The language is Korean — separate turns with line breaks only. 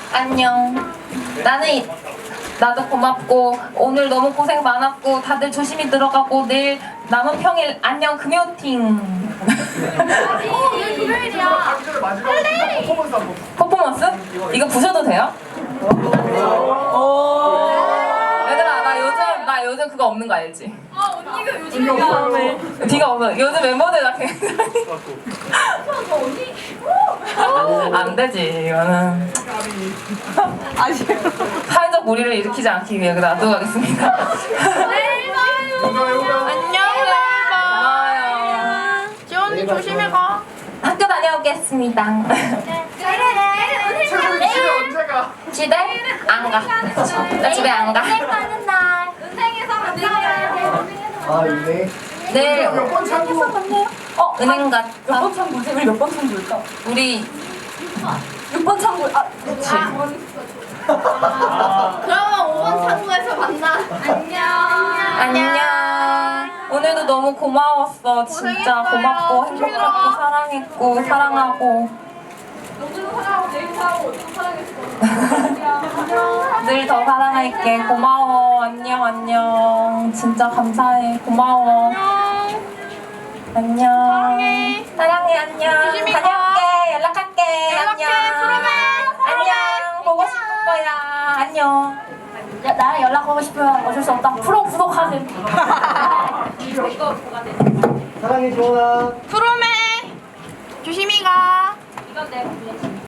안녕. 나도 고맙고 오늘 너무 고생 많았고 다들 조심히 들어가고 내일 남은 평일 안녕 금요팅.
오늘 금요일이야.
퍼포먼스? 이거 부셔도 돼요? 얘들아 나 요즘 그거 없는 거 알지?
언니가 요즘
뒤가 없어. 요즘 멤버들 나 굉장히 안 되지 이거는. 사회적 무리를 일으키지 않기 위해 놔두고 가겠습니다.
내일 봐요.
안녕. 고마워요.
지원이 조심히 가.
학교 다녀오겠습니다.
내일
언제가?
집에 안 가. 나 집에 안 가.
가는 날. 은행에서 만나요.
아 이네.
내일
몇번 참고?
은행 갔다.
몇 번 참고지? 우리 몇 번 참고일까?
우리
6번 참고. 그렇지.
그러면 5번 창구에서 만나.
안녕. 오늘도 너무 고마웠어. 진짜
고생했어요.
고맙고 행복했고 사랑했고 사랑하고
너도 사랑하고 내일 사랑하고 어디도 사랑했어.
늘 더 사랑할게. 고마워. 안녕 안녕. 진짜 감사해. 고마워. 안녕. 사랑해. 안녕.
조심히 가.
다녀올게. 연락할게.
연락해.
안녕.
프로메.
안녕. 보고 싶을 거야. 안녕.
나랑 연락하고 싶으면 어쩔 수 없다. 프로 구독하세요.
사랑해 지원아.
프로메. 조심히 가.
이건 내